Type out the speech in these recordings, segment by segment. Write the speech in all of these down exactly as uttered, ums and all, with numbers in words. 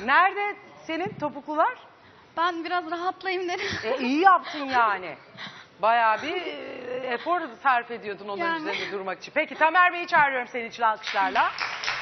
Nerede senin topuklular? Ben biraz rahatlayayım dedim. E, iyi yaptın yani. Bayağı bir e, efor sarf ediyordun onun Yani. üzerinde durmak için. Peki Tamer Bey'i çağırıyorum senin için alkışlarla.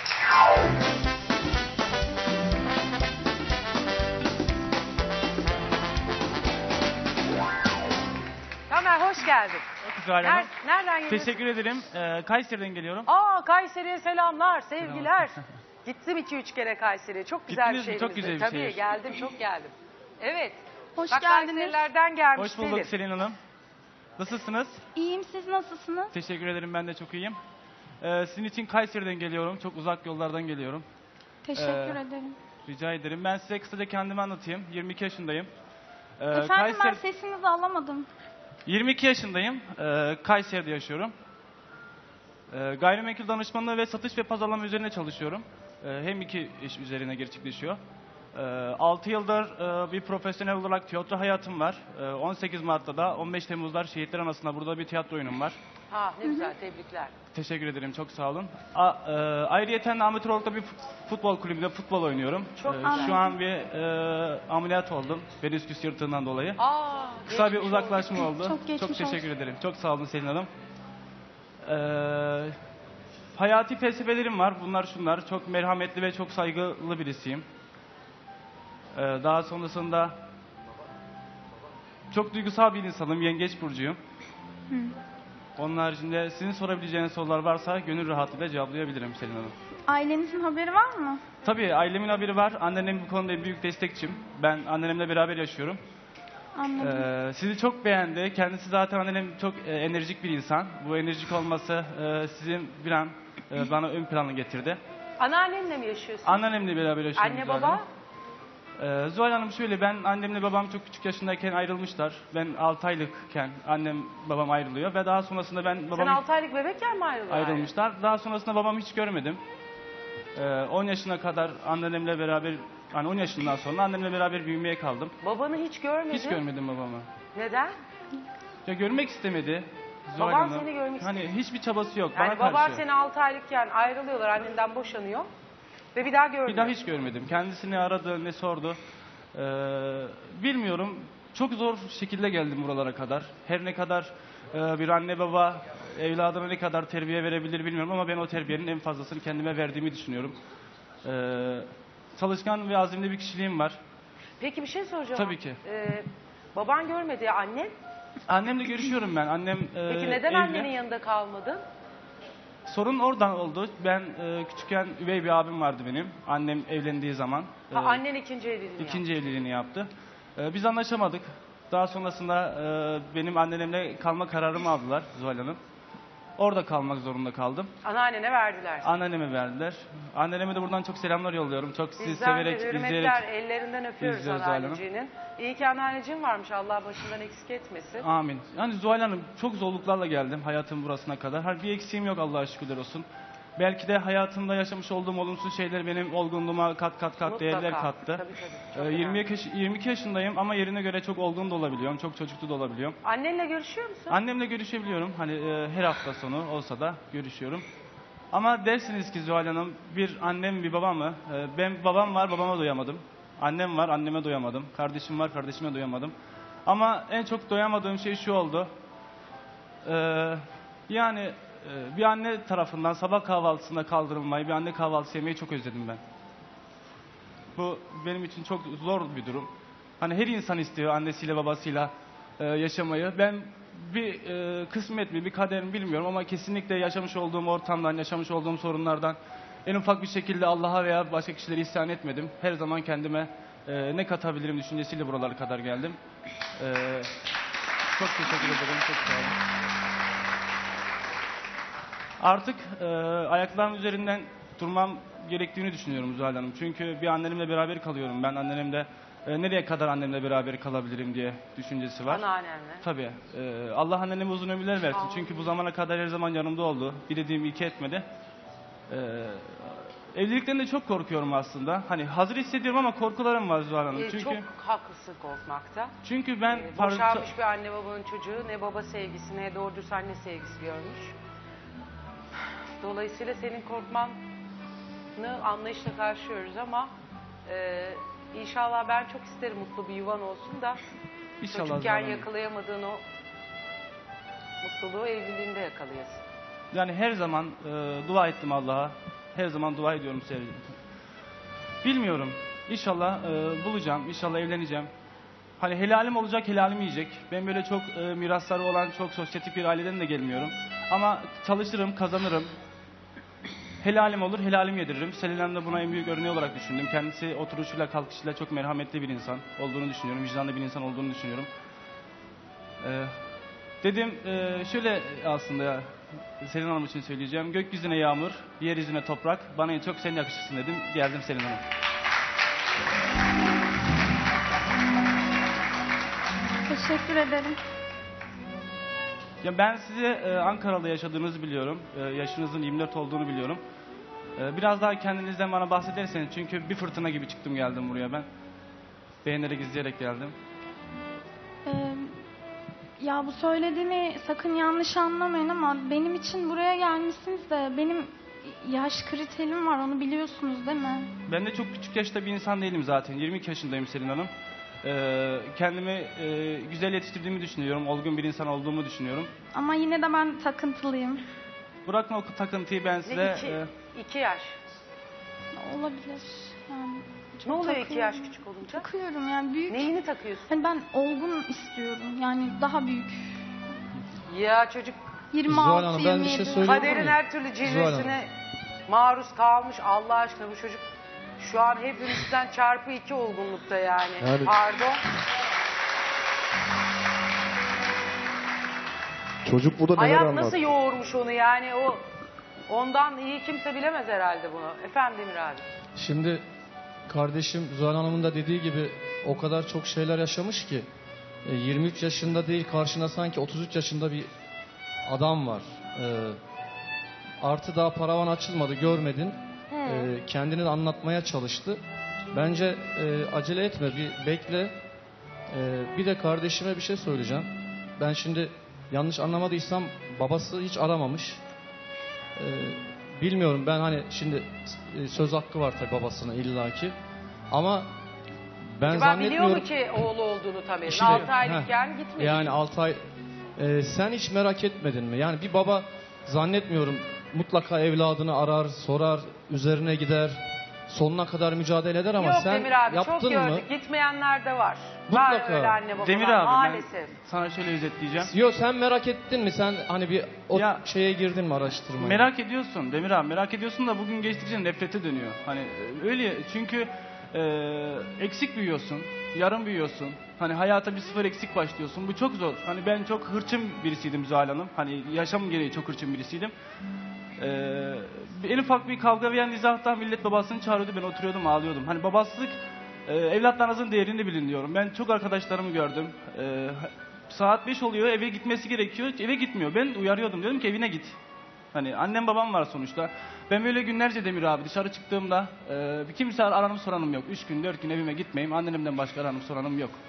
Tamer hoş geldin. Zuhal Hanım. Ner nereden geliyorsun? Teşekkür ederim. Ee, Kayseri'den geliyorum. Aa Kayseri'ye selamlar, sevgiler. Gittim iki üç kere Kayseri'ye. Çok güzel Gittiniz bir mi? şehrimizde. Çok güzel bir Tabii şehir. geldim, çok geldim. Evet. Hoş Bak geldiniz. Kayserilerden gelmiş Hoş bulduk Selin. Selin Hanım. Nasılsınız? İyiyim, siz nasılsınız? Teşekkür ederim, ben de çok iyiyim. Ee, sizin için Kayseri'den geliyorum. Çok uzak yollardan geliyorum. Teşekkür Ee, ederim. Rica ederim. Ben size kısaca kendimi anlatayım. yirmi iki yaşındayım. Ee, Efendim ben sesinizi alamadım. yirmi iki yaşındayım. Ee, Kayseri'de yaşıyorum. Ee, gayrimenkul danışmanlığı ve satış ve pazarlama üzerine çalışıyorum. Ee, hem iki iş üzerine gerçekleşiyor. Ee, altı yıldır e, bir profesyonel olarak tiyatro hayatım var. Ee, on sekiz Mart'ta da on beş Temmuz'lar Şehitler Anası'nda burada bir tiyatro oyunum var. Ha ne güzel, tebrikler. Teşekkür ederim, çok sağ olun. A, e, ayrıyeten amatör olarak da bir futbol kulübünde futbol oynuyorum. Çok Ee, güzel. Şu an bir e, ameliyat oldum. Menisküs yırtığından dolayı. Aa, Kısa bir geçmiş uzaklaşma oldu. Çok geçmiş teşekkür olsun. ederim. Çok sağ olun Selin Hanım. Ee, hayati felsefelerim var. Bunlar şunlar. Çok merhametli ve çok saygılı birisiyim. Ee, daha sonrasında çok duygusal bir insanım. Yengeç burcuyum. Hı. Onun haricinde sizin sorabileceğiniz sorular varsa gönül rahatlığıyla cevaplayabilirim Selin Hanım. Ailenizin haberi var mı? Tabii ailemin haberi var. Annem bu konuda büyük destekçim. Ben annemle beraber yaşıyorum. Anladım. Ee, sizi çok beğendi. Kendisi zaten annem çok e, enerjik bir insan. Bu enerjik olması e, sizin bir an e, bana ön plana getirdi. Anneannenle mi yaşıyorsun? Anneannemle beraber yaşıyorum. Anne Zuhal baba? Hanım. Ee, Zuhal Hanım şöyle, ben annemle babam çok küçük yaşındayken ayrılmışlar. Ben altı aylıkken annem babam ayrılıyor ve daha sonrasında ben Sen babam altı aylık bebekken mi ayrıldın? ayrılmışlar. Daha sonrasında babamı hiç görmedim. Ee, on yaşına kadar annemle beraber, yani on yaşından sonra annemle beraber büyümeye kaldım. Babanı hiç görmedin. Hiç görmedim babamı. Neden? Ya görmek istemedi. Zuhal Baban Hanım. seni görmek Hani istemedi. hiçbir çabası yok Yani bana baban karşı. seni altı aylıkken ayrılıyorlar, annenden boşanıyor ve bir daha görmüyor. Bir daha hiç görmedim. Kendisini aradı, ne sordu. Ee, bilmiyorum. Çok zor şekilde geldim buralara kadar. Her ne kadar e, bir anne baba evladına ne kadar terbiye verebilir bilmiyorum ama ben o terbiyenin en fazlasını kendime verdiğimi düşünüyorum. Ee, çalışkan ve azimli bir kişiliğim var. Peki bir şey soracağım. Tabii ki. Ee, baban görmedi ya, annen. Annemle görüşüyorum ben. Annem e, Peki neden evli. annenin yanında kalmadın? Sorun oradan oldu. Ben e, küçükken üvey bir abim vardı benim. Annem evlendiği zaman. Ha, e, annen ikinci evliliğini İkinci yaptı. evliliğini yaptı. Ee, biz anlaşamadık. Daha sonrasında e, benim annemle kalma kararımı aldılar Zuhal Hanım. Orada kalmak zorunda kaldım. Anneannene verdiler. Anneme verdiler. Anneme de buradan çok selamlar yolluyorum. Çok sizi Bizden de severek, hürmetler, izleyerek. ellerinden öpüyoruz izliyoruz Zuhal Hanım. anneanneciğinin. İyi ki anneanneciğin varmış, Allah başından eksik etmesin. Amin. Yani Zuhal Hanım, çok zorluklarla geldim hayatım burasına kadar. Her bir eksiğim yok, Allah'a şükürler olsun. Belki de hayatımda yaşamış olduğum olumsuz şeyler benim olgunluğuma kat kat kat Mutlaka. değerler kattı. Tabii, tabii. Çok Ee, yirmi önemli. iki, yirmi iki yaşındayım ama yerine göre çok olgun da olabiliyorum. Çok çocuklu da olabiliyorum. Annenle görüşüyor musun? Annemle görüşebiliyorum. Hani e, her hafta sonu olsa da görüşüyorum. Ama dersiniz ki Zuhal Hanım, bir annem bir babam mı? E, ben babam var, babama doyamadım. Annem var, anneme doyamadım. Kardeşim var, kardeşime doyamadım. Ama en çok doyamadığım şey şu oldu. E, yani e, bir anne tarafından sabah kahvaltısında kaldırılmayı, bir anne kahvaltısı yemeyi çok özledim ben. Bu benim için çok zor bir durum. Hani her insan istiyor annesiyle babasıyla e, yaşamayı. Ben bir e, kısmet mi, bir kader mi bilmiyorum ama kesinlikle yaşamış olduğum ortamdan, yaşamış olduğum sorunlardan en ufak bir şekilde Allah'a veya başka kişilere isyan etmedim. Her zaman kendime e, ne katabilirim düşüncesiyle buralara kadar geldim. E, çok teşekkür ederim, çok sağ olun. Artık e, ayaklarım üzerinden durmam gerektiğini düşünüyorum Zuhal Hanım. Çünkü bir annemle beraber kalıyorum. Ben annemle e, nereye kadar annemle beraber kalabilirim diye düşüncesi var. Anneannenle. Tabii. E, Allah anneme uzun ömürler versin. Amin. Çünkü bu zamana kadar her zaman yanımda oldu. Bir dediğim iki etmedi. E, evlilikten de çok korkuyorum aslında. Hani hazır hissediyorum ama korkularım var Zuhal Hanım. Ee, Çünkü Çok haklısın korkmakta. çünkü ben Ee, par- boşanmış bir anne babanın çocuğu ne baba sevgisi ne doğru dürüst anne sevgisi görmüş. Dolayısıyla senin korkmanı anlayışla karşılıyoruz ama Ee, inşallah ben çok isterim mutlu bir yuvan olsun da İnşallah çocukken Zuhal Hanım. yakalayamadığın o mutluluğu evliliğinde yakalayasın. Yani her zaman e, dua ettim Allah'a. Her zaman dua ediyorum sevgilim. Bilmiyorum. İnşallah e, bulacağım. İnşallah evleneceğim. Hani helalim olacak, helalim yiyecek. Ben böyle çok e, mirasları olan, çok sosyetik bir aileden de gelmiyorum. Ama çalışırım, kazanırım. Helalim olur, helalim yediririm. Selin de buna en büyük örneği olarak düşündüm. Kendisi oturuşuyla, kalkışıyla çok merhametli bir insan olduğunu düşünüyorum. Vicdanlı bir insan olduğunu düşünüyorum. Ee, dedim, e, şöyle aslında Selin Hanım için söyleyeceğim. Gökyüzüne yağmur, yeryüzüne toprak. Bana en çok sen yakışırsın dedim. Geldim Selin Hanım. Teşekkür ederim. Ya ben sizi e, Ankara'da yaşadığınızı biliyorum. E, yaşınızın yirmi dört olduğunu biliyorum. E, biraz daha kendinizden bana bahsederseniz. Çünkü bir fırtına gibi çıktım geldim buraya ben. Beğenerek izleyerek geldim. Ee, ya bu söylediğini sakın yanlış anlamayın ama benim için buraya gelmişsiniz de benim yaş kriterim var, onu biliyorsunuz değil mi? Ben de çok küçük yaşta bir insan değilim zaten. yirmi iki yaşındayım Selin Hanım. E, kendimi e, güzel yetiştirdiğimi düşünüyorum. Olgun bir insan olduğumu düşünüyorum. Ama yine de ben takıntılıyım. Bırakın o takıntıyı ben size... Ne iki, e, iki yaş. Olabilir yani. Ne oluyor iki takıyorum. yaş küçük olunca? Takıyorum yani büyük. Neyini takıyorsun? Hani ben olgun istiyorum yani daha büyük. Ya çocuk yirmi Zuhal altı Hanım, ben yirmi bir şey yedi. söyleyeyim. kaderin miyim? her türlü cilvesine maruz kalmış. Allah aşkına bu çocuk şu an hepimizden çarpı iki olgunlukta yani. Yani- Pardon. Çocuk burada neler Hayat anlattı. nasıl yoğurmuş onu yani, o ondan iyi kimse bilemez herhalde bunu. Efendim Demir abi. Şimdi kardeşim Zuhal Hanım'ın da dediği gibi o kadar çok şeyler yaşamış ki e, yirmi üç yaşında değil, karşına sanki otuz üç yaşında bir adam var. E, artı daha paravan açılmadı, görmedin. E, kendini de anlatmaya çalıştı. Bence e, acele etme, bir bekle. E, bir de kardeşime bir şey söyleyeceğim. Ben şimdi yanlış anlamadıysam babası hiç aramamış. E, bilmiyorum, ben hani şimdi e, söz hakkı var tabii babasına illaki. Ama ben Acaba biliyor zannetmiyorum. mu ki oğlu olduğunu tabii. İşte, altı aylıkken heh, gitmedi. Yani altı ay. Ee, sen hiç merak etmedin mi? Yani bir baba zannetmiyorum mutlaka evladını arar, sorar, üzerine gider, sonuna kadar mücadele eder ama Yok sen Demir abi, çok yaptın gördük. mı? Gitmeyenler de var. Var Mutlaka. öyle anne babalar Demir abi maalesef. ben sana şöyle özetleyeceğim. Yok, sen merak ettin mi? Sen hani bir o Ya- şeye girdin mi, araştırmaya? Merak ediyorsun Demir abi, merak ediyorsun da bugün geçtikçe nefrete dönüyor. Hani e, öyle çünkü e, eksik büyüyorsun, yarım büyüyorsun. Hani hayata bir sıfır eksik başlıyorsun. Bu çok zor. Hani ben çok hırçın birisiydim Zuhal Hanım. Hani yaşam gereği çok hırçın birisiydim. E, en ufak bir kavga veya nizahtan millet babasını çağırıyordu. Ben oturuyordum, ağlıyordum. Hani babasılık, e, evlatlarınızın değerini bilin diyorum. Ben çok arkadaşlarımı gördüm. E, saat beş oluyor, eve gitmesi gerekiyor. Eve gitmiyor. Ben uyarıyordum. Diyorum ki evine git. Hani annem babam var sonuçta. Ben böyle günlerce Demir abi dışarı çıktığımda e, bir kimse aranım soranım yok. Üç gün dört gün evime gitmeyeyim. Annemden başka aranım soranım yok.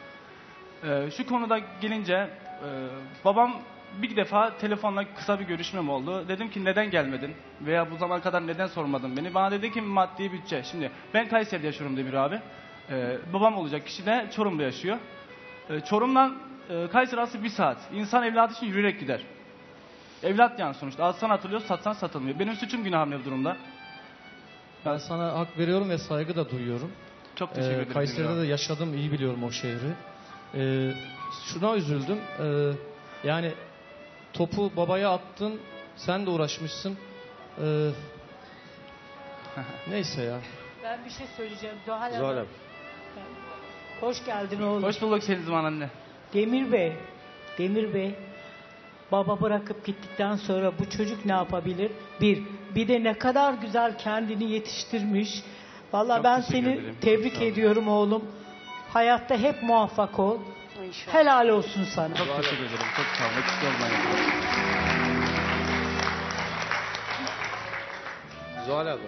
E, şu konuda gelince e, babam bir defa telefonla kısa bir görüşmem oldu. Dedim ki neden gelmedin? Veya bu zamana kadar neden sormadın beni? Bana dedi ki maddi bütçe. Şimdi ben Kayseri'de yaşıyorum Demir abi. E, babam olacak kişi de Çorum'da yaşıyor. E, Çorum'dan e, Kayseri arası bir saat. İnsan evladı için yürüyerek gider. Evlat yani sonuçta. Alsan atılıyor, satsan satılmıyor. Benim suçum günahım ne bu durumda? Ben sana hak veriyorum ve saygı da duyuyorum. Çok teşekkür Ee, ederim. Kayseri'de Demir de abi. yaşadım, iyi biliyorum o şehri. Ee, şuna üzüldüm. Ee, yani topu babaya attın, sen de uğraşmışsın. Ee, neyse ya. Ben bir şey söyleyeceğim. Zuhal Zuhal Hanım. Hanım. Hoş geldin oğlum. Hoş bulduk Selin Zaman anne. Demir Bey. Demir Bey. Baba bırakıp gittikten sonra bu çocuk ne yapabilir? Bir. Bir de ne kadar güzel kendini yetiştirmiş. Vallahi Çok ben teşekkür seni ederim. tebrik Sağ olun. ediyorum oğlum. Hayatta hep muvaffak ol. İnşallah. Helal olsun sana. Çok teşekkür ederim. Çok sağ olun. Eksik olmayın. Zuhal abla.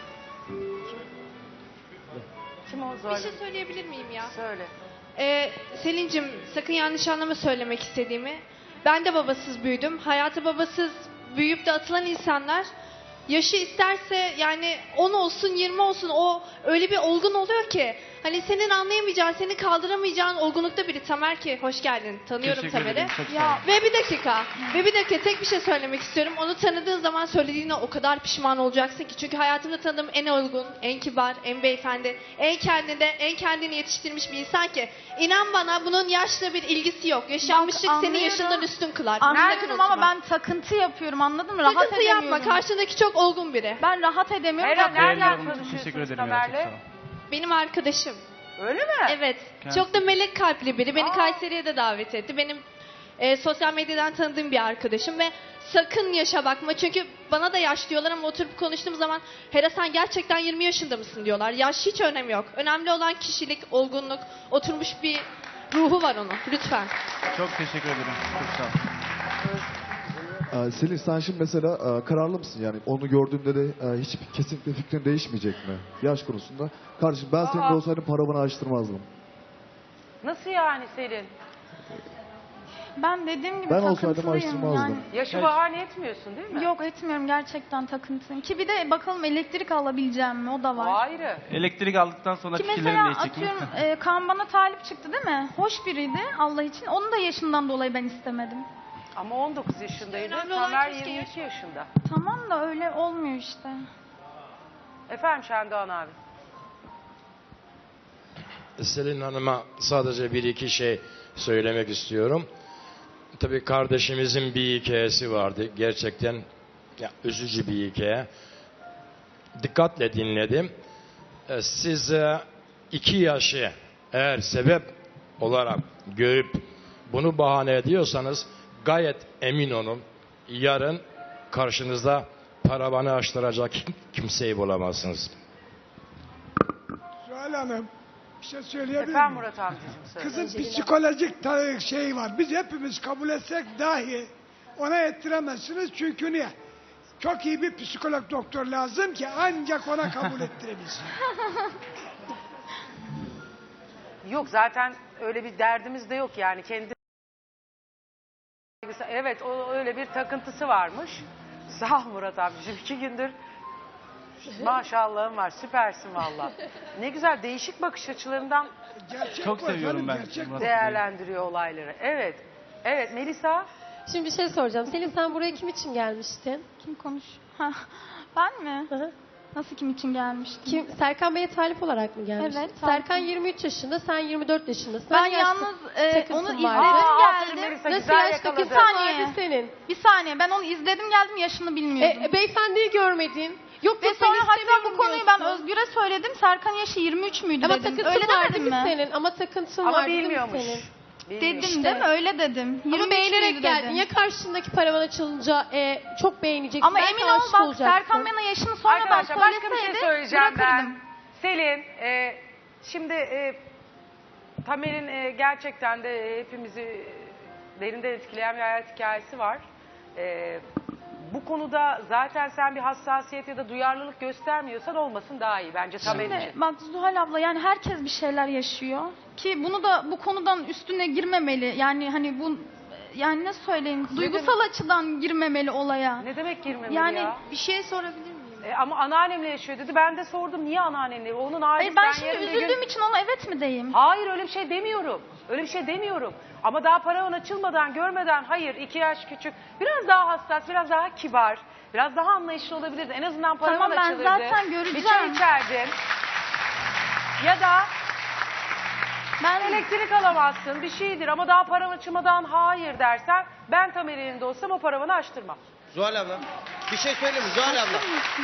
Kim o Bir Zuhal? şey söyleyebilir miyim ya? Söyle. Ee, Selin'cim sakın yanlış anlama söylemek istediğimi. Ben de babasız büyüdüm. Hayatı babasız büyüyüp de atılan insanlar Yaşı isterse yani on olsun yirmi olsun, o öyle bir olgun oluyor ki. Hani senin anlayamayacağın, seni kaldıramayacağın olgunlukta biri. Tamer ki hoş geldin. Tanıyorum Teşekkür Tamer'i. ederim, çok sağ Ya, olun. ve bir dakika. Ve bir dakika tek bir şey söylemek istiyorum. Onu tanıdığın zaman söylediğine o kadar pişman olacaksın ki. Çünkü hayatımda tanıdığım en olgun, en kibar, en beyefendi, en kendinde, en kendini yetiştirmiş bir insan ki. İnan bana bunun yaşla bir ilgisi yok. Yaşanmışlık Bak, seni anlıyorum. yaşından üstün kılar. Anlıyorum Sakın ama unutma. ben takıntı yapıyorum, anladın mı? Rahat Sıkıntı edemiyorum. yapma. Karşındaki çok olgun biri. Ben rahat edemiyorum. Hera, Bak, nereden Beğeniyorum, tanışıyorsunuz teşekkür ederim ya, çok Tamer'le? sağ olun. Benim arkadaşım. Öyle mi? Evet. Kendisi- Çok da melek kalpli biri. Beni Aa. Kayseri'ye de davet etti. Benim e, sosyal medyadan tanıdığım bir arkadaşım ve sakın yaşa bakma. Çünkü bana da yaş diyorlar ama oturup konuştuğum zaman Hera sen gerçekten yirmi yaşında mısın diyorlar. Yaş hiç önemi yok. Önemli olan kişilik, olgunluk, oturmuş bir ruhu var onun. Lütfen. Çok teşekkür ederim. Çok sağ olun. Ee, Selin sen şimdi mesela e, kararlı mısın yani onu gördüğünde de e, hiç kesinlikle fikrin değişmeyecek mi yaş konusunda? Kardeşim ben senin Aa. de olsaydım paravanı açtırmazdım. Nasıl yani Selin? Ben dediğim gibi Ben olsaydım takıntılıyım. açtırmazdım. Yani, Yaşı Evet. bahane etmiyorsun değil mi? yok etmiyorum, gerçekten takıntıyım. Ki bir de bakalım elektrik alabileceğim mi, o da O var. ayrı. Elektrik aldıktan sonra Ki fikirlerim mesela değişecek mi? atıyorum e, Kaan bana talip çıktı değil mi? Hoş biriydi Allah için. Onun da yaşından dolayı ben istemedim. Ama on dokuz yaşındaydı. Önemli olan Tamer keşke yirmi iki yaşında. Tamam da öyle olmuyor işte. Efendim Şendoğan abi. Selin Hanım'a sadece bir iki şey söylemek istiyorum. Tabii kardeşimizin bir hikayesi vardı. Gerçekten ya, üzücü bir hikaye. Dikkatle dinledim. Ee, Siz e, iki yaşı eğer sebep olarak görüp bunu bahane ediyorsanız gayet emin olun yarın karşınızda paravanı açtıracak kimseyi bulamazsınız. Zuhal Hanım, bir şey söyleyebilir Efendim miyim? Murat amcacığım söyle. Kızın psikolojik ta- şey var. Biz hepimiz kabul etsek dahi ona ettiremezsiniz. Çünkü niye? Çok iyi bir psikolog doktor lazım ki ancak ona kabul ettirebilsin. Yok zaten öyle bir derdimiz de yok yani kendi. Evet o öyle bir takıntısı varmış. Sağ ol Murat amcacığım iki gündür maşallahım var süpersin valla. Ne güzel değişik bakış açılarından Gerçek Çok bu seviyorum efendim, ben gerçek bu. Murat. değerlendiriyor olayları. Evet. Evet Melisa. Şimdi bir şey soracağım. Selin sen buraya kim için gelmiştin? Kim konuş? Ha, ben mi? Hı hı. Nasıl kim için gelmiştim? Kim? Serkan Bey'e talip olarak mı gelmiştin? Evet, Serkan talipim. yirmi üç yaşında, sen yirmi dört yaşındasın. Ben Hangi yaş yalnız e, takıntın onu vardı? izledim Aa, aferin geldim. Melisa, Nasıl güzel yaş yakaladı. takıntın Saniye. vardı senin? Bir saniye, ben onu izledim geldim, yaşını bilmiyordum. E, beyefendiyi görmedin. Yok Ve yok ben sonra hatta istemiyorum bu konuyu ben diyorsun. Özgür'e söyledim. Serkan yaşı yirmi üç müydü Ama dedim. takıntın Öyle var demedim değil mi mi? senin? Ama takıntın Ama var değil mi bilmiyormuş. senin? Bilmiyor. Dedim İşte. değil mi? Öyle dedim. yirmi Ama üç beğenerek müydü geldin. dedim. Ya karşındaki paravan açılınca e, çok beğeneceksin. Ama belki emin ol aşık bak olacaksın. Serkan bana yaşını sonradan Arkadaşlar başka bir şey söyleseydi söyleyeceğim ben. bırakırdım. Selin, e, şimdi e, Tamer'in e, gerçekten de hepimizi derinden etkileyen bir hayat hikayesi var. E, bu konuda zaten sen bir hassasiyet ya da duyarlılık göstermiyorsan olmasın daha iyi bence Tamer Şimdi için. bak Zuhal abla, yani herkes bir şeyler yaşıyor ki bunu da bu konudan üstüne girmemeli. Yani hani bu, yani ne söyleyeyim, duygusal açıdan girmemeli olaya. Ne demek girmemeli Yani ya? bir şey sorabilir miyim? E, ama anneannemle yaşıyor dedi. Ben de sordum niye anneannemle? Onun ailesi Hayır, ben şimdi yarın bir üzüldüğüm gün... için ona evet mi diyeyim? Hayır öyle bir şey demiyorum. Öyle bir şey demiyorum. Ama daha paravan açılmadan, görmeden hayır iki yaş küçük. Biraz daha hassas, biraz daha kibar. Biraz daha anlayışlı olabilirdi. En azından paravan Tamam, ben açılırdı. zaten göreceğim. Bir çay içerdin. Ya da Ben elektrik alamazsın bir şeydir ama daha paravan açılmadan hayır dersen ben Tamer'in elinde olsam o paravanı açtırmam. Zuhal abla. Bir şey söyleyeyim mi? Zuhal abla.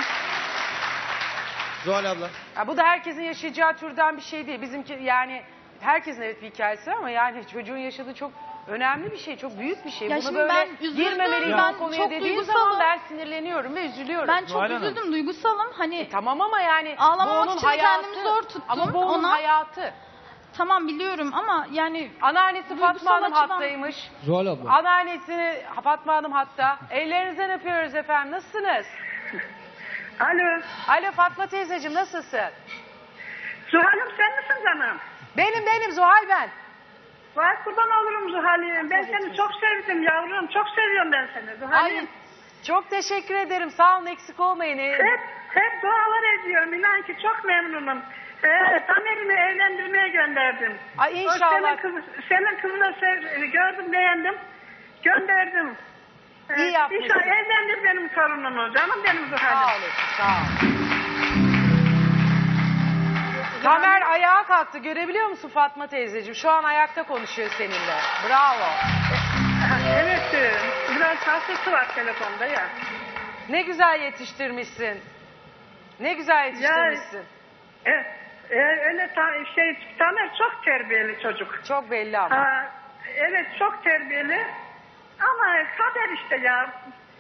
Zuhal abla. Ya bu da herkesin yaşayacağı türden bir şey değil. Bizimki yani herkesin evet bir hikayesi var ama yani çocuğun yaşadığı çok önemli bir şey, çok büyük bir şey. Ya Bunu şimdi böyle ben üzüldüm, girmemeliyim ben o konuya çok dediğin duygusalım. zaman ben sinirleniyorum ve üzülüyorum. ben çok Zuhal Hanım. üzüldüm, duygusalım. Hani E, tamam ama yani Ağlamamak bu onun için hayatı. kendimi zor tuttum. Ama bu onun Ona- hayatı. tamam biliyorum ama yani Anneannesi Duygusal Fatma Hanım açıdan- hattaymış. Zuhal abla. Anneannesini Fatma Hanım hatta. Ellerinizden öpüyoruz efendim. Nasılsınız? Alo. Alo Fatma teyzeciğim nasılsın? Zuhal'ım sen misin canım? Benim benim Zuhal ben. Vay kurban olurum Zuhal'im. Ben seni çok sevdim yavrum. Çok seviyorum ben seni Ay, Zuhal'im. Çok teşekkür ederim. Sağ olun, eksik olmayın. Ee, Hep, hep dualar ediyorum. İnan ki çok memnunum. Ee, Tamer'imi evlendirmeye gönderdim. Ay O inşallah. senin, kız, senin kızını sev, gördüm, beğendim. Gönderdim. Ee, İyi yapmışsın. İnşallah evlendir benim torunumu. Canım benim Zuhal'im. Sağ olun. Sağ olun. Tamer ayağa kalktı. Görebiliyor musun Fatma teyzeciğim? Şu an ayakta konuşuyor seninle. Bravo. Evet. e, Biraz hastası var telefonda ya. Ne güzel yetiştirmişsin. Ne güzel yetiştirmişsin. E, e, öyle ta, şey Tamer çok terbiyeli çocuk. Çok belli ama. Ha, evet çok terbiyeli. Ama kader işte ya.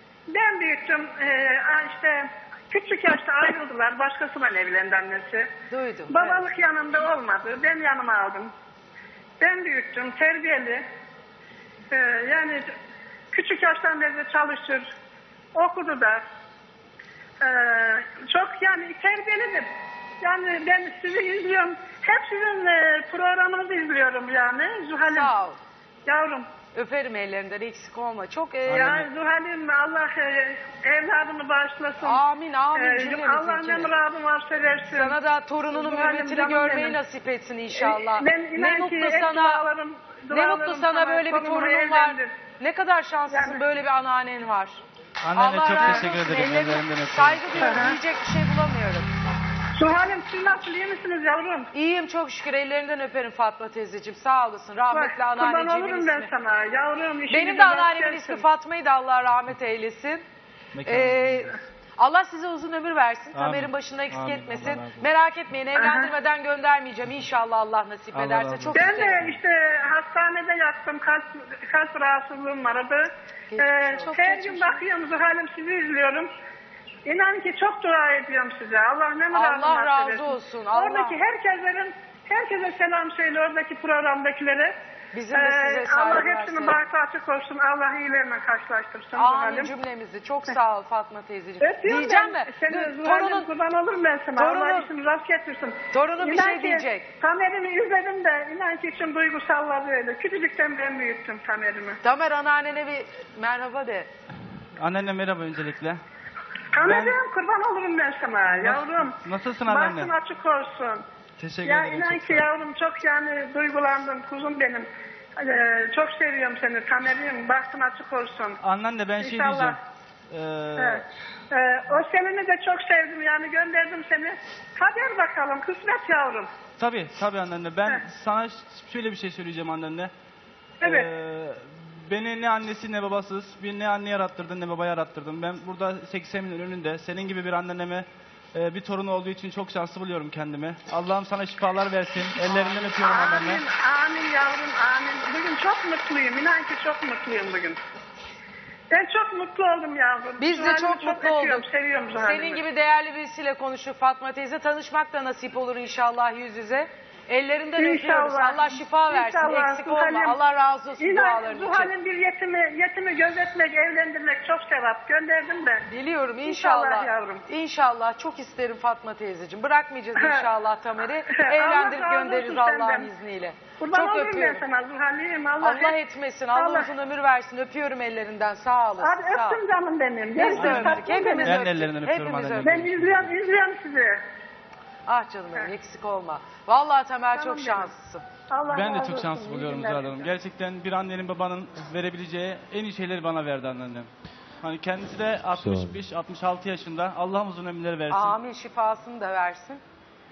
Ben büyüttüm. E, işte küçük yaşta ayrıldılar. Başkasıyla evlendi annesi. Duydum. Babalık evet. yanında olmadı. Ben yanıma aldım. Ben büyüttüm. Terbiyeli. Ee, yani küçük yaştan beri çalışır. Okudu da. Ee, çok yani terbiyelidir. Yani ben sizi izliyorum. Hep sizin e, programınızı izliyorum yani. Zuhal'im. Sağ ol. Yavrum. Öperim ellerinden, eksik olma. Çok e, Ya Zuhal'im Allah e, evladını bağışlasın. Amin amin. Ee, cümlemiz Allah için. ne muradın varsa versin. Sana da torununun Zuhal'im, mürvetini canım görmeyi benim. nasip etsin inşallah. Ee, ben ne inan mutlu ki hep sana. dualarım- Ne dualarım mutlu sana böyle bir torunumu torunun var. evlendir. Ne kadar şanslısın, Yani- böyle bir anneannen var. Annene Allah çok razı teşekkür olsun. ederim. Ellerine Ellerinden öpüyorum. saygı duyuyorum. Hı hı. Diyecek bir şey bulamıyorum. Zuhal'im siz nasıl, iyi misiniz yavrum? İyiyim çok şükür. Ellerinden öperim Fatma teyzeciğim. Sağ olasın. Rahmetli Bak, kurban anneanneciğimin olurum ben ismi. sana yavrum. işinize Benim de rast anneannemin gelsin. ismi Fatma'ydı. Allah rahmet eylesin. Mekanı. Ee, Allah size uzun ömür versin. Amin. Tamer'in başında eksik Amin. etmesin. Allah razı olsun. Merak etmeyin, evlendirmeden göndermeyeceğim. İnşallah Allah nasip Allah ederse. razı olsun. Çok Ben isterim. de işte hastanede yattım. Kalp, kalp rahatsızlığım vardı. Geçmiş Ee, olsun. her geçmiş gün bakıyorum Zuhal'im, sizi izliyorum. İnan ki çok dua ediyorum size. Allah ne muradını Allah razı bahşedesin. olsun, Allah. Oradaki herkeslerin, herkese selam söyle oradaki programdakilere. Bizim de size Ee, saygılar Allah hepsinin söyle. bahtı açık olsun. Allah iyilerine karşılaştırsın Amin Zuhal'im. cümlemizi. Çok sağ ol Fatma teyzeciğim. Öpüyorum Diyeceğim ben. mi? Seni Dur, Zuhal'im, torunun, kurban olurum ben sana. Allah Torunun- işini rast getirsin. torunun bir İnan şey ki diyecek. Tamer'imi izledim de inan ki için duygusalladı öyle. Küçücükten ben büyüttüm Tamer'imi. Tamer anneannene bir merhaba de. Annene merhaba öncelikle. Tamer'im kurban olurum ben sana yavrum. Nasılsın anneanne? Bahtın açık olsun. Teşekkür Ya ederim. inan çok ki sağ ol. yavrum çok yani duygulandım kuzum benim. Ee, çok seviyorum seni Tamer'im. Bahtın açık olsun. Anneanne ben şey İnşallah. diyeceğim. Ee, Evet. Ee, o senini de çok sevdim yani gönderdim seni. Kader bakalım kısmet yavrum. tabii tabii anneanne. Ben Heh. sana ş- şöyle bir şey söyleyeceğim anneanne. Evet. Ee, beni ne annesi ne babasız, bir ne anne yarattırdın ne baba yarattırdın. Ben burada seksenimin önünde senin gibi bir anneme e, bir torun olduğu için çok şanslı buluyorum kendimi. Allah'ım sana şifalar versin. Ellerinden öpüyorum anneanne. Amin, amin yavrum, amin. Bugün çok mutluyum, inan ki çok mutluyum bugün. Ben çok mutlu oldum yavrum. Biz de Zuhal'imi çok mutlu öpüyorum, olduk. seviyorum Zuhal'imi. Senin gibi değerli birisiyle konuştuk Fatma teyze. Tanışmak da nasip olur inşallah yüz yüze. Ellerinden İnşallah. öpüyoruz. Allah şifa versin. İnşallah, Eksik olma. Zuhal'im. Allah razı olsun İnan duaların için. Zuhal'in bir yetimi, yetimi gözetmek, evlendirmek çok sevap. Gönderdim de. Biliyorum inşallah. İnşallah yavrum. İnşallah. Çok isterim Fatma teyzeciğim. Bırakmayacağız inşallah Tamer'i. Allah Evlendirip razı göndeririz olsun Allah'ın senden. izniyle. Kurban Çok olurum ben öpüyorum. sana Zuhal'im. Allah, Allah hep- etmesin. Allah, Allah- uzun ömür versin. Öpüyorum ellerinden. Sağ olasın. Hadi sağ ol. öptüm canım benim. Biz de Görüşürüz, öptük. tatlım Hepimiz benim. Ben öptük. de ellerinden öpüyorum Hepimiz anneciğim. öptük. Ben izliyorum, izliyorum sizi. Ah canım benim eksik olma. Vallahi Tamer Canım çok benim. şanslısın. Allah Ben de razı çok olsun, şanslı iyi buluyorum günler. Zuhal Hanım. Gerçekten bir annenin babanın verebileceği en iyi şeyleri bana verdi anneannem. Hani kendisi de altmış beş altmış altı yaşında. Allah uzun ömürler versin. Amin şifasını da versin.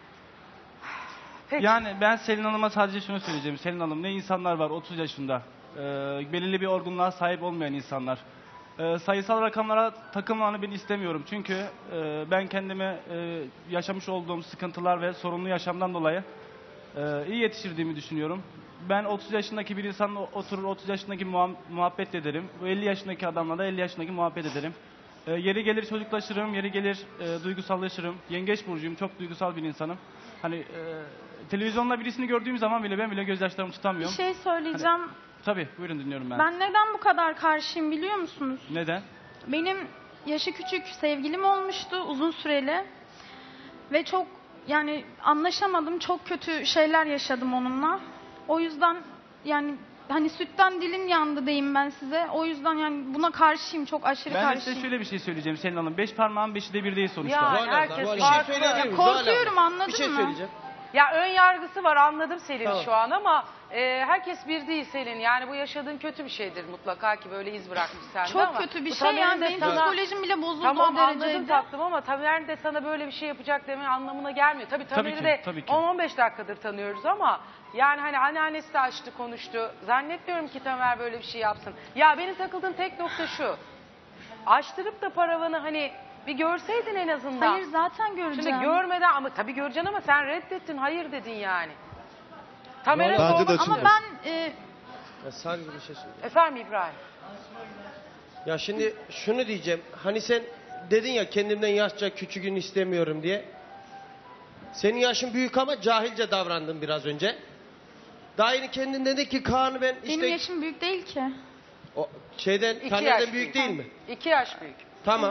Peki. Yani ben Selin Hanım'a sadece şunu söyleyeceğim. Selin Hanım ne insanlar var otuz yaşında. Ee, belirli bir olgunluğa sahip olmayan insanlar. Ee, sayısal rakamlara takılmanı ben istemiyorum. Çünkü e, ben kendime e, yaşamış olduğum sıkıntılar ve sorunlu yaşamdan dolayı e, iyi yetiştirdiğimi düşünüyorum. Ben otuz yaşındaki bir insanla oturur otuz yaşındaki muha- muhabbet ederim. Bu elli yaşındaki adamla da elli yaşındaki muhabbet ederim. E, yeri gelir çocuklaşırım, yeri gelir e, duygusallaşırım. Yengeç burcuyum, çok duygusal bir insanım. Hani e, televizyonda birisini gördüğüm zaman bile ben bile gözyaşlarımı Bir tutamıyorum. şey söyleyeceğim. Tabii, buyurun dinliyorum ben. Ben neden bu kadar karşıyım biliyor musunuz? Neden? Benim yaşı küçük sevgilim olmuştu uzun süreli. Ve çok yani anlaşamadım. Çok kötü şeyler yaşadım onunla. O yüzden yani hani sütten dilin yandı diyeyim ben size. O yüzden yani buna karşıyım. Çok aşırı Ben de karşıyım. size şöyle bir şey söyleyeceğim Selin Hanım. Beş parmağın beşi de bir değil sonuçta. Yani Zuhal abla, herkes Zuhal abla. farklı. Bir şey söyleyebilir miyim? Korkuyorum, Zuhal abla, anladın Bir şey mı? söyleyeceğim. Ya ön yargısı var, anladım Selin Tamam. şu an ama e, herkes bir değil Selin. Yani bu yaşadığın kötü bir şeydir mutlaka ki böyle iz bırakmış sende Çok ama. kötü bir bu şey Tamer'in yani de benim sana- psikolojim bile bozuldu Tamam o anladım dereceydi. tatlım ama Tamer de sana böyle bir şey yapacak demenin anlamına gelmiyor. Tabii Tabii Tamer'i ki, de tabii ki. on on beş dakikadır tanıyoruz ama yani hani anneannesi de açtı konuştu. Zannetmiyorum ki Tamer böyle bir şey yapsın. Ya benim takıldığım tek nokta şu. Açtırıp da paravanı hani bir görseydin en azından. Hayır zaten göreceğim. Şimdi görmeden ama tabii göreceksin ama sen reddettin, hayır dedin yani. Tamer'e Bence de sormak açılır. Ama ben e, Ya sadece bir şey söyleyeyim. Efendim İbrahim. Ya şimdi şunu diyeceğim. Hani sen dedin ya kendimden yaşça küçüğün istemiyorum diye. Senin yaşın büyük ama cahilce davrandın biraz önce. Daha yeni kendin dedin ki Kaan'ı ben işte... benim yaşım büyük değil ki. O şeyden, İki Taner'den yaş büyük büyük. değil mi? İki yaş büyük. Tamam.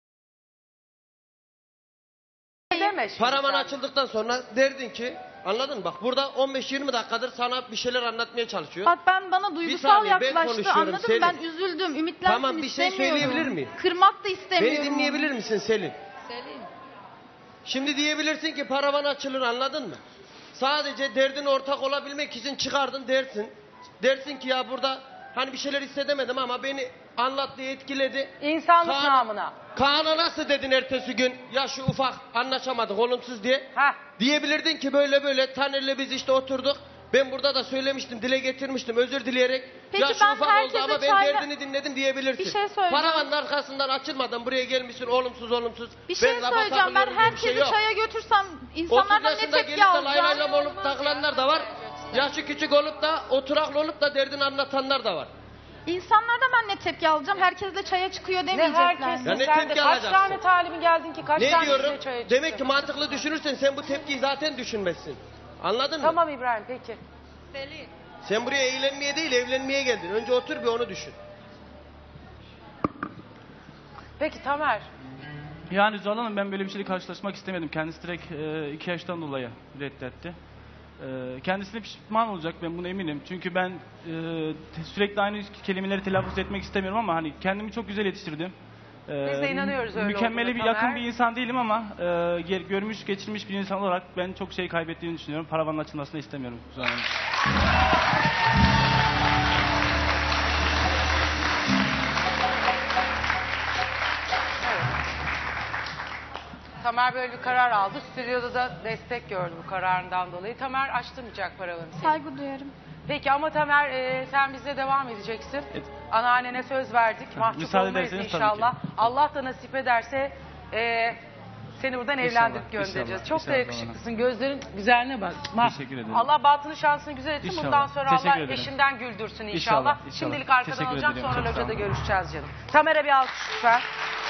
Ne deme şimdi Paravan sen. açıldıktan sonra derdin ki, anladın mı? Bak burada on beş yirmi dakikadır sana bir şeyler anlatmaya çalışıyor. Bak ben bana duygusal saniye, ben yaklaştı, konuşuyorum, anladın mı? Selin. Ben üzüldüm, ümitlensin Tamam, bir şey istemiyorum. söyleyebilir miyim? Kırmak da istemiyorum. Beni dinleyebilir misin Selin? Selin. Şimdi diyebilirsin ki paravan açılır, anladın mı? Sadece derdin ortak olabilmek için çıkardın dersin. Dersin ki ya burada hani bir şeyler hissedemedim ama beni anlattı, etkiledi. İnsanlık Kaan- namına. Kaan'a nasıl dedin ertesi gün ya şu ufak anlaşamadık olumsuz diye. Heh. Diyebilirdin ki böyle böyle Taner'le biz işte oturduk. Ben burada da söylemiştim, dile getirmiştim özür dileyerek. Peki ya şu ben ufak oldu herkese ama ben çayla- derdini dinledim diyebilirsin. Bir şey söyleyeceğim. Paravanın arkasından açılmadan buraya gelmişsin olumsuz olumsuz. Bir şey Ben lafa söyleyeceğim. Ben takılıyorum diye bir şey herkesi yok. çaya götürsem otuz insanlardan ne yaşında tepki gelip de lay lay alacağım? lam olup takılanlar da var. Yaşı küçük olup da oturaklı olup da derdini anlatanlar da var. İnsanlardan ben ne tepki alacağım? Herkes de çaya çıkıyor Ne demeyecekler. herkes Ya ne sen de tepki kaç alacaksın? tane talibin geldin ki kaç Ne tane diyorum? size çaya Demek çıktı? ki mantıklı düşünürsen sen bu tepkiyi zaten düşünmezsin. Anladın mı? Tamam İbrahim peki. Selin. Sen buraya eğlenmeye değil evlenmeye geldin. Önce otur bir onu düşün. Peki Tamer. Yani Zuhal Hanım ben böyle bir şeyle karşılaşmak istemedim. Kendisi direkt e, iki yaştan dolayı reddetti. E, kendisine pişman olacak, ben buna eminim. Çünkü ben e, te- sürekli aynı kelimeleri telaffuz etmek istemiyorum ama hani kendimi çok güzel yetiştirdim. E, Biz de inanıyoruz öyle Mükemmeli olduğuna bir yakın Tamer. bir insan değilim ama e, ger- görmüş geçirmiş bir insan olarak ben çok şey kaybettiğini düşünüyorum. Paravanın açılmasını istemiyorum Zuhal Hanım. Tamer böyle bir karar aldı. Stüdyoda da destek gördü bu kararından dolayı. Tamer açtırmayacak paravanı senin. Saygı duyarım. Peki ama Tamer e, sen bizle devam edeceksin. Evet. Anneannene söz verdik. Mahcup müsaade olmayız ederseniz tabii inşallah. ki. Allah da nasip ederse e, seni buradan İnşallah, evlendirip göndereceğiz. inşallah, Çok da inşallah. yakışıklısın. Gözlerin güzelliğine bak. Bak, Teşekkür ederim. Allah batını şansını güzel etsin. İnşallah. Bundan sonra Teşekkür Allah ederim. eşinden güldürsün inşallah. İnşallah, inşallah. Şimdilik arkadan Teşekkür alacağım ederim. sonra Çok sağ locada olun. görüşeceğiz canım. Tamer'e bir alkış lütfen.